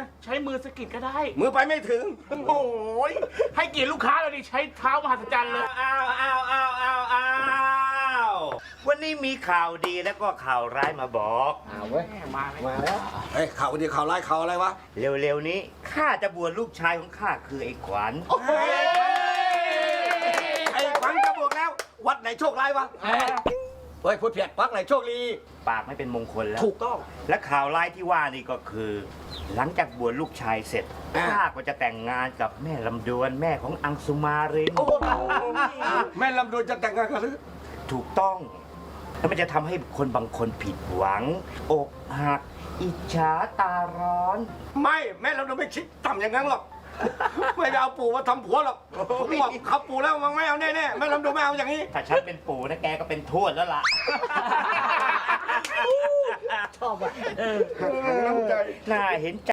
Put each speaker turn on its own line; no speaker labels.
ใช้มือสะกิดก็ได้
มือไปไม่ถึง
โอ้ยให้เกียรติลูกค้าเราดิใช้เท้ามหัศจรรย์เลย
วันนี้มีข่าวดีแล้วก็ข่าวร้ายมาบอก
มาเลย
มาแล้วเฮ้ยข่าวดีข่าวร้ายข่าวอะไรวะ
เร็วๆนี้ข้าจะบวชลูกชายของข้าคือไอ้ขวัญ
ไอ้ขวัญจะบวกแล้ว วัดไหนโชคร้ายวะเฮ้ยพูดเพียดวัดไหนโชคดี
ปากไม่เป็นมงคลแล้ว
ถูกต้อง
และข่าวร้ายที่ว่านี่ก็คือ หลังจากบวชลูกชายเสร็จ
อ่า
ข้าก็จะแต่งงานกับแม่ลำดวนแม่ของอังสุมาริน
แม่ลำดวนจะแต่งงานกันหรือ
ถูกต้อง แล้วมันจะทำให้คนบางคนผิดหวัง อกหัก อิจฉาตาร้อน
ไม่แม่ลำดวนไม่คิดต่ำอย่างนั้นหรอกไม่ได้เอาปู่มาทำผัวหรอกผมบอกเขาปู่แล้วมันไม่เอาแน่ๆแม่ลำดวนไม่เอาอย่างนี้
ถ้าฉันเป็นปู่นะแกก็เป็นทวดแล้วล่ะ
น้ำใจ
น่าเห็นใจ